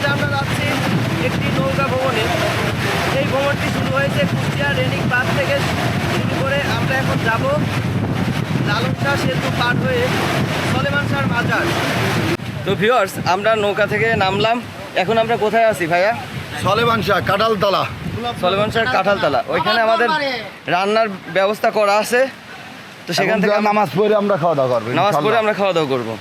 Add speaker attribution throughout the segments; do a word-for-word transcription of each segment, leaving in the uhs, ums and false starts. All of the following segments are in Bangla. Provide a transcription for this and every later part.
Speaker 1: মুহূর্তে আমরা যাচ্ছি একটি নৌকা ভ্রমণে। এই ভ্রমণটি শুরু হয়েছে কুষ্টিয়া রেনিং বাঁধ থেকে শুরু করে আমরা এখন যাব লালন শাহ সেতু পার হয়ে সলেমান শাহর মাজার। তো ভিউয়ার্স, আমরা নৌকা থেকে নামলাম, এখন আমরা কোথায় আছি ভাইয়া?
Speaker 2: সলেমান শাহ কাঁঠালতলা।
Speaker 1: সলেমান শাহর কাঁঠালতলা, ওইখানে আমাদের রান্নার ব্যবস্থা করা আছে। তো সেখান থেকে
Speaker 2: নামাজ পড়ে আমরা খাওয়া দাওয়া করবো।
Speaker 1: নামাজ পড়ে আমরা খাওয়া দাওয়া করবো।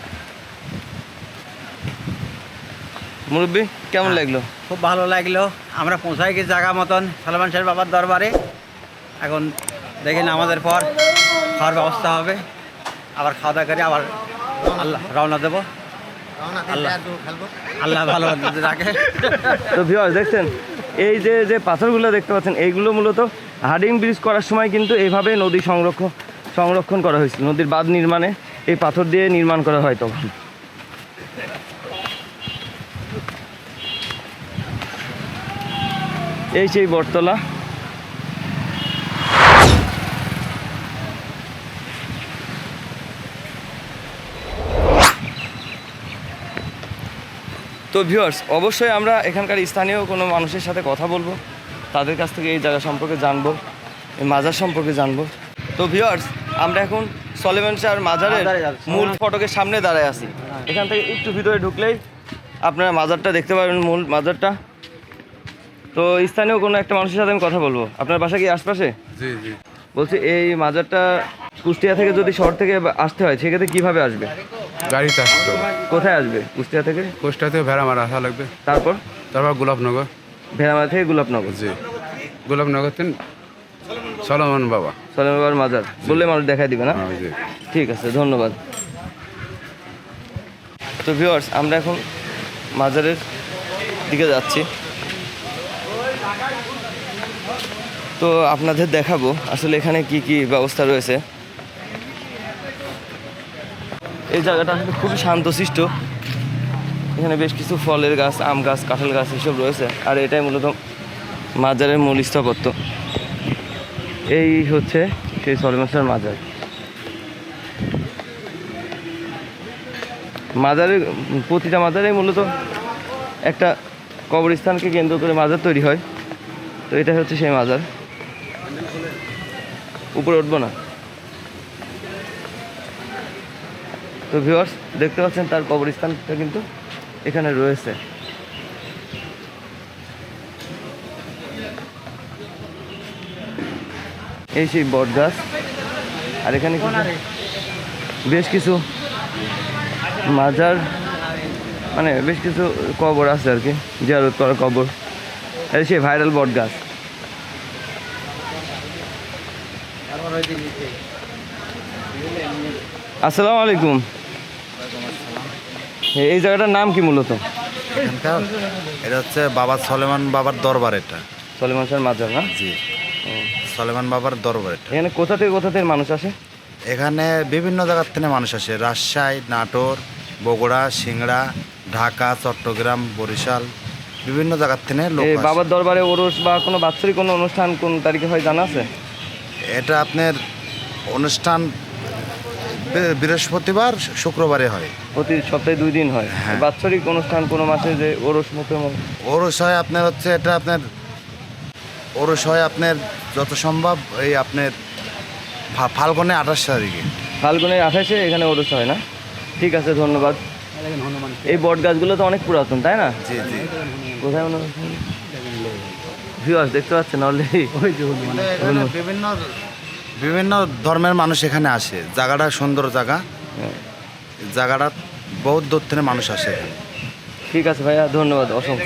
Speaker 1: মুরব্বী, কেমন লাগলো?
Speaker 3: খুব ভালো লাগলো। আমরা পৌঁছাই গেছি জায়গা মতন সলেমান শাহ বাবার দরবারে। এখন দেখেন আমাদের পর খাওয়ার ব্যবস্থা হবে, আবার খাওয়া দাওয়া করে আবার আল্লাহ রওনা দেবো। আল্লাহ আল্লাহ ভালো রাখে।
Speaker 1: তো ভিউয়ার্স, দেখছেন এই যে যে পাথরগুলো দেখতে পাচ্ছেন, এইগুলো মূলত হার্ডিং ব্রিজ করার সময় কিন্তু এইভাবে নদী সংরক্ষণ সংরক্ষণ করা হয়েছিল। নদীর বাঁধ নির্মাণে এই পাথর দিয়ে নির্মাণ করা হয় তখন। এই সেই বটতলা। তো ভিউয়ার্স, অবশ্যই আমরা এখানকার স্থানীয় কোনো মানুষের সাথে কথা বলবো, তাদের কাছ থেকে এই জায়গা সম্পর্কে জানবো, এই মাজার সম্পর্কে জানবো। তো ভিউয়ার্স, আমরা এখন সলেমান শাহর মাজারের মূল ফটকের সামনে দাঁড়ায় আছি। এখান থেকে একটু ভিতরে ঢুকলেই আপনারা মাজারটা দেখতে পাবেন, মূল মাজারটা। তো স্থানীয় কোনো একটা মানুষের সাথে আমি কথা বলবো। আপনার বাসা কি আশপাশে?
Speaker 4: জি জি।
Speaker 1: বলছি, এই মাজারটা কুষ্টিয়া থেকে যদি শহর থেকে আসতে হয় সেক্ষেত্রে কীভাবে আসবে?
Speaker 4: গাড়িতে আসতে হবে।
Speaker 1: কোথায় আসবে কুষ্টিয়া থেকে?
Speaker 4: কুষ্টিয়া থেকে ভেড়ামারা আসা লাগবে,
Speaker 1: তারপর
Speaker 4: তারপর গোলাপনগর।
Speaker 1: ভেড়ামারা থেকে গোলাপনগর।
Speaker 4: জি, গোলাপনগর থেকে সলেমান বাবা।
Speaker 1: সলেমান বাবার মাজার বললে মানুষ দেখাই দিবে না?
Speaker 4: হ্যাঁ, জি।
Speaker 1: ঠিক আছে, ধন্যবাদ। তো ভিউয়ার্স, আমরা এখন মাজারের দিকে যাচ্ছি। তো আপনাদের দেখাবো আসলে এখানে কি কি ব্যবস্থা রয়েছে। এই জায়গাটা আসলে খুবই শান্তশিষ্ট। এখানে বেশ কিছু ফলের গাছ, আম গাছ, কাঁঠাল গাছ এসব রয়েছে। আর এটাই মূলত মাজারের মূল স্থাপত্য। এই হচ্ছে সেই সলেমান শাহর মাজার। মাজারের প্রতিটা মাজারেই মূলত একটা কবরস্থানকে কেন্দ্র করে মাজার তৈরি হয়। তো এটা হচ্ছে সেই মাজার। উপরে উঠবো না। তো ভিউয়ার্স, দেখতে পাচ্ছেন তার কবরস্থানটা কিন্তু এখানে রয়েছে। এই সেই বট গাছ। আর এখানে বেশ কিছু মাজার, মানে বেশ কিছু কবর আছে আর কি, জিয়ারত করা কবর। এই সেই ভাইরাল বট গাছ। আসসালামু আলাইকুম। এই জায়গাটার নাম কি মূলত?
Speaker 2: এটা হচ্ছে বাবা সলেমান বাবার দরবার। এটা
Speaker 1: সলেমান শাহর মাজার না?
Speaker 2: জি, সলেমান বাবার দরবার। এটা
Speaker 1: এখানে কোথা থেকে কোথা থেকে মানুষ আসে?
Speaker 2: এখানে বিভিন্ন জায়গার থেকে মানুষ আসে। রাজশাহী, নাটোর, বগুড়া, সিংড়া, ঢাকা, চট্টগ্রাম, বরিশাল, বিভিন্ন জায়গার থেকে লোক
Speaker 1: এই
Speaker 2: আসে।
Speaker 1: বাবার দরবারে ওরস বা কোনো বাৎসরিক কোনো অনুষ্ঠান কোন তারিখে হয় জানা আছে?
Speaker 2: এটা আপনার অনুষ্ঠান বৃ- বৃহস্পতিবার, শুক্রবারে হয়।
Speaker 1: প্রতি সপ্তাহে দুই দিন হয়।
Speaker 2: হ্যাঁ।
Speaker 1: বাৎসরিক অনুষ্ঠান কোনো মাসে যে ওরস মতো।
Speaker 2: ওরস হয় আপনার হচ্ছে এটা আপনার ওরস হয় আপনার যত সম্ভব এই আপনার ফা- ফাল্গুনে আঠাশ তারিখে।
Speaker 1: ফাল্গুনের আঠাশে এখানে ওরস হয় না? ঠিক আছে, ধন্যবাদ। এই বট গাছগুলো তো অনেক পুরাতন, তাই না?
Speaker 2: জি জি।
Speaker 1: কোথায় মনে ভিউয়ার্স দেখতে পাচ্ছেন অলরেডি?
Speaker 2: এখানে বিভিন্ন বিভিন্ন ধর্মের মানুষ এখানে আসে। জায়গাটা সুন্দর জায়গা। জায়গাটা বহুত দূর থেকে মানুষ আসে এখানে।
Speaker 1: ঠিক আছে ভাইয়া, ধন্যবাদ অসংখ্য।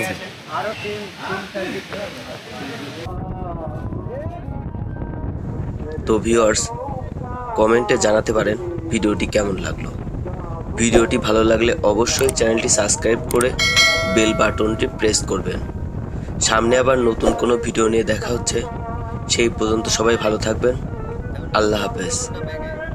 Speaker 5: তো ভিউয়ার্স, কমেন্টে জানাতে পারেন ভিডিওটি কেমন লাগলো। ভিডিওটি ভালো লাগলে অবশ্যই চ্যানেলটি সাবস্ক্রাইব করে বেল বাটনটি প্রেস করবেন। সামনে আবার নতুন কোনো ভিডিও নিয়ে দেখা হচ্ছে। সেই পর্যন্ত সবাই ভালো থাকবেন। আল্লাহ হাফেজ।